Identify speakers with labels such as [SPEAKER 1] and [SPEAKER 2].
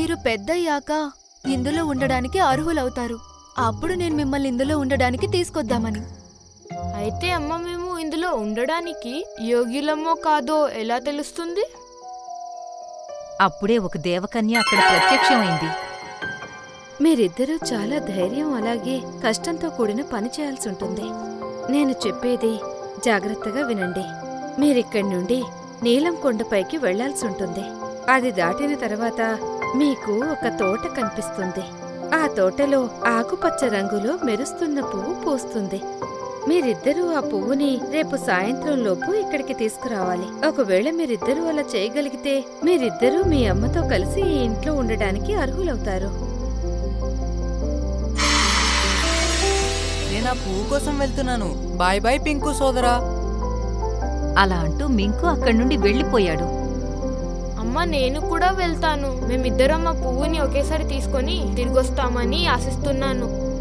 [SPEAKER 1] మీరు పెద్దయ్యాక ఇందులో ఉండడానికి అర్హులవుతారు. అప్పుడు నేను మిమ్మల్ని ఇందులో ఉండడానికి తీసుకొద్దామని.
[SPEAKER 2] అయితే అమ్మ మేము ఇందులో ఉండడానికి యోగ్యులమో కాదో ఎలా తెలుస్తుంది?
[SPEAKER 3] అప్పుడే ఒక దేవకన్య అక్కడ ప్రత్యక్షమైంది.
[SPEAKER 4] మీరిద్దరూ చాలా ధైర్యం అలాగే కష్టంతో కూడిన పని చేయాల్సి ఉంటుంది. నేను చెప్పేది జాగ్రత్తగా వినండి. మీరిక్కడి నుండి నీలం కొండపైకి వెళ్లాల్సి ఉంటుంది. అది దాటిన తర్వాత మీకు ఒక తోట కనిపిస్తుంది. ఆ తోటలో ఆకుపచ్చ రంగులో మెరుస్తున్న పువ్వు పూస్తుంది. మీరిద్దరూ ఆ పువ్వుని రేపు సాయంత్రం లోపు ఇక్కడికి తీసుకురావాలి. ఒకవేళ మీరిద్దరూ అలా చేయగలిగితే మీరిద్దరూ మీ అమ్మతో కలిసి ఈ ఇంట్లో ఉండడానికి అర్హులవుతారు.
[SPEAKER 5] నేను ఆ పువ్వు కోసం వెళ్తున్నాను. బాయ్ బాయ్ పింకు సోదరా.
[SPEAKER 3] అలా అంటూ మింకు అక్కడి నుండి వెళ్లిపోయాడు.
[SPEAKER 2] అమ్మ నేను కూడా వెళ్తాను. మేమిద్దరం ఆ పువ్వుని ఒకేసారి తీసుకొని తిరిగొస్తామని ఆశిస్తున్నాను.